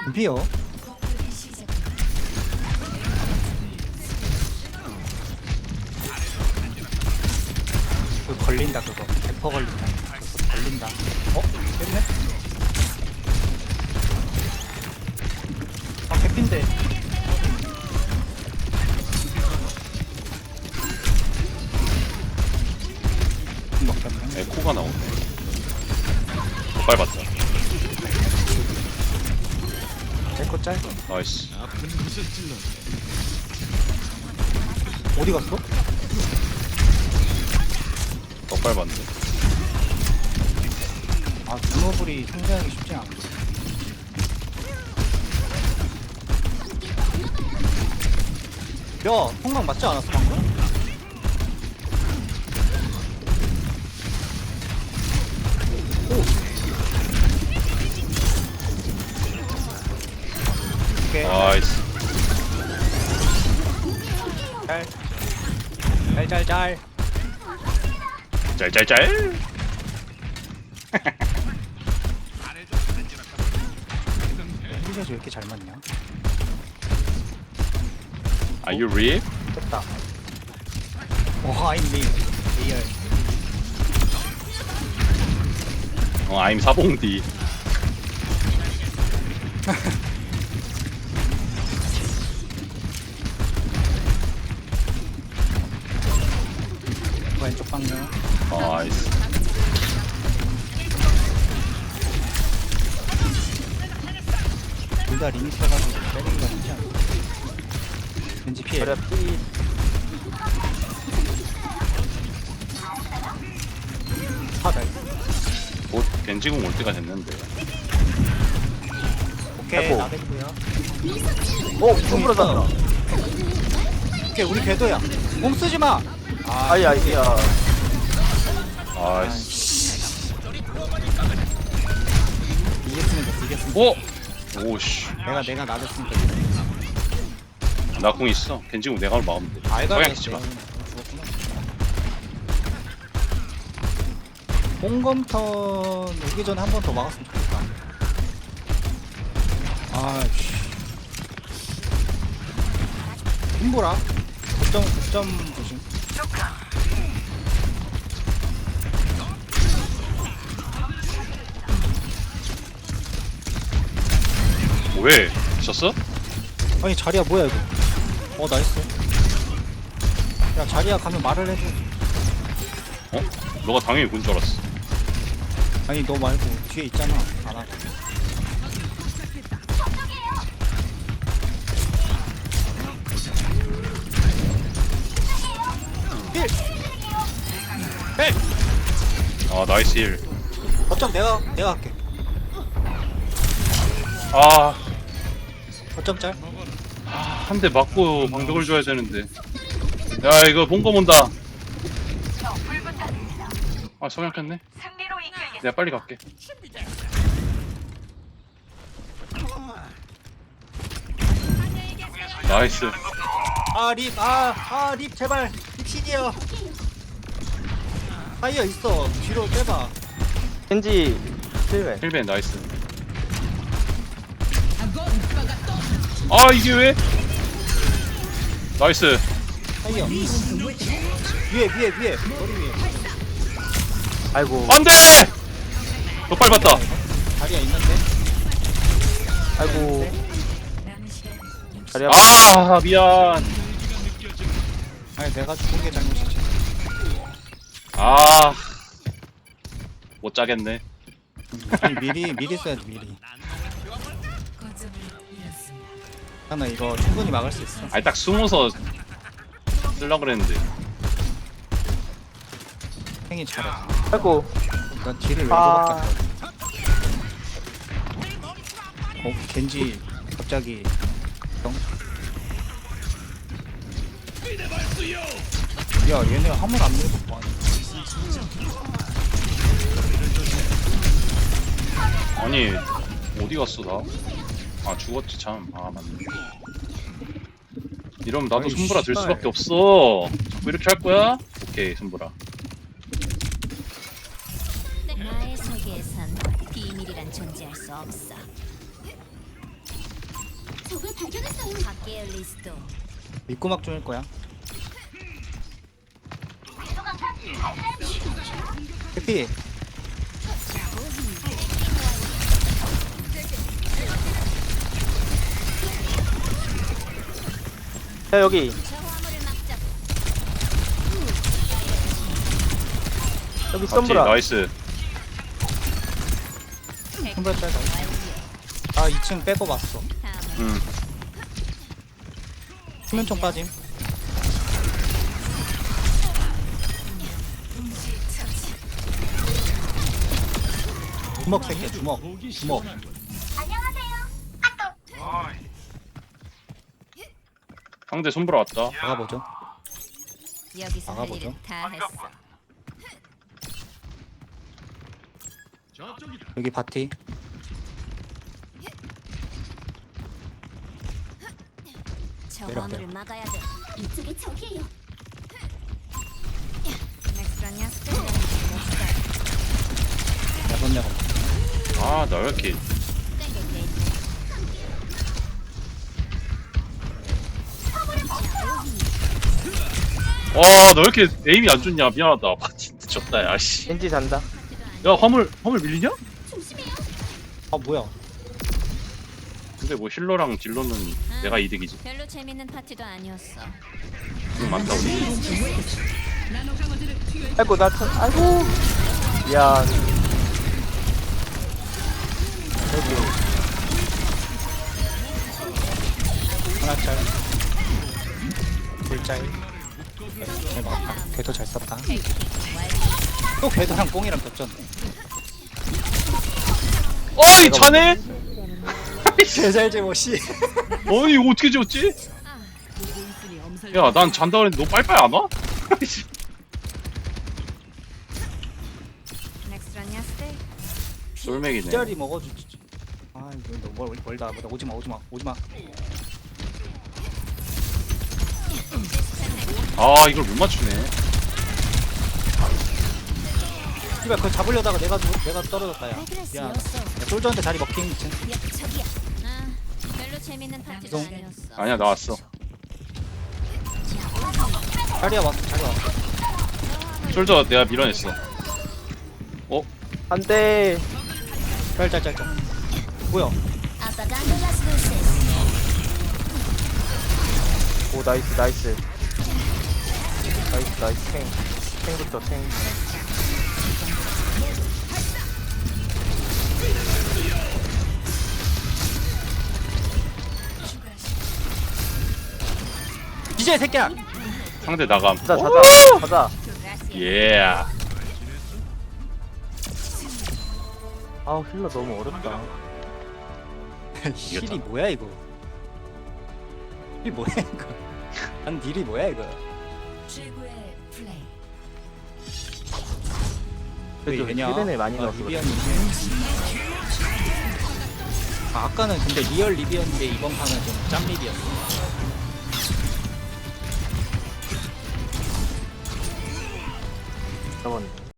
금피요. 그거 걸린다 그거. 100% 걸린다. 그거 걸린다. 깼네? 개핀데. 먹혔네. 에코가 나오네. 밟았다. 에코 짤. 나이스. 어디 갔어? 더 밟았네. 아, 분노불이 상대하기 쉽지 않아. 야, 통강 맞지 않았어, 방금? 오케이. 나이스. 짤. 짤짤짤. 힐샷이 왜 이렇게 잘 맞냐? Are you real? 됐다. 오, I'm me. 리얼. I'm 사봉디. 왼쪽 방면. 나이스. 둘 다 리미트해가지고 때리기가 쉽지 않아. 왠지 피해. 그래 피 파달. 곧 겐지공 올 때가 됐는데. 오케이, 해보. 나대구요. 오! 손으로 잖아 오케이, 우리 궤도야. 몸 쓰지 마. 아이 아이야 나이스. 이겼으면 됐어, 이겼으면. 오! 오씨. 내가 나댔으니까 됐어. 나 공 있어. 겐지공 내가 막으면 돼. 알가네. 치지 마. 죽었구나. 공검턴 오기 전에 한 번 더 막았으면 좋겠다. 아씨. 힘보라. 고점 조심. 왜? 미쳤어? 아니 자리야 뭐야 이거. 나이스. 야 자리야 가면 말을 해줘. 어? 너가 당연히 군 줄 알았어. 아니 너 말고 뒤에 있잖아. 안 하고. 힐! 아 나이스 힐. 거점 내가 할게. 아, 거점 짤. 한 대 맞고 방벽을 줘야 되는데. 야 이거 본검 온다. 아 성약했네. 내가 빨리 갈게. 나이스. 립 제발 립시디어. 파이어 있어. 뒤로 빼봐. 겐지 실외 힐벤 나이스. 아 이게 왜? 나이스. 파이어. 위에 머리 위에. 아이고 안돼. 너 빨리 봤다. 자리야 있는데. 아이고 자리 아 미안. 아니 내가 죽은 게 잘못이지. 아. 못 짜겠네. 아니 미리 써야지 미리. 하나 이거 충분히 막을 수 있어. 아니 딱 숨어서 쓰려고 그랬는데. 행이 잘해. 아이고 난 딜을 왜 아. 저렇게 겐지 갑자기 형? 야 얘네 화물 안 밀고 뭐하냐. 아니 어디 갔어 나? 아 죽었지 참. 아 맞네. 이러면 나도 아이, 손보라 들 씨발. 수밖에 없어. 자꾸 이렇게 할 거야? 오케이 손보라. 나의 세계에선 비밀이란 존재할 수 없어. 밑구막 중일 거야. 해피. 야 여기 여기 맞지? 썸브라. 나이스. 한발 빼고. 아 2층 빼고 봤어. 응. 수면총 빠짐. 주먹 새끼 주먹. 주먹. 상대 손보러 왔다. 나가보죠. 여기서 할 나가보죠. 일은 다 했어. 여기 바티. 저 내려, 화물을 내려. 막아야 돼. 이쪽이 저기예요. 넥스라냐 스텔. 야번야번. 아, 나 왜 이렇게. 와, 너 왜 이렇게 에임이 안 좋냐? 미안하다. 아, 진짜 졌다, 야, 씨. 겐지 잔다. 야, 화물 밀리냐? 아 뭐야? 근데 뭐 힐러랑 딜러는 내가 이득이지. 별로 재밌는 파티도 아니었어. 이거 많다, 우리. 아이고 나 참. 아이고. 미안. 여기 하나 짤. 둘 짤. 잘 막았다. 궤도 잘 썼다. 또 궤도랑 뽕이랑 겹쳤네. 어이, 자네? 개잘제 못이. 어이, 이거 어떻게 지었지? 야, 난 잔다 그랬는데 너 빨빨 안 와? 넥스라냐 스텔. 솔맥이네. 짤이 먹어주지. 아 이거 너 멀다. 오지마. 아, 이걸 못 맞추네. 씨발 그거 잡으려다가 내가 떨어졌다 야. 왜 그랬어? 미안. 야, 솔저한테 자리 먹힌 미친. 저기야. 아, 별로 재밌는 파티도 이동. 아니었어. 아니야, 나왔어. 자리야 왔어. 솔저 내가 밀어냈어. 안돼. 짤. 뭐야? Apagando las luces. 오 나이스. 나이스 탱부터 탱. 이제 새끼야. 상대 나감. 가자. 예. 아우 힐러 너무 어렵다. 힐이 뭐야 이거? 힐이 뭐야 이거? 난 딜이 뭐야 이거? 최고의 플레이. 그래도 왜냐? 힐벤을 많이 넣었어. 리비언인데. 아, 아까는 근데 리얼 리비언인데 이번 판은 좀 짬 리비언. 저번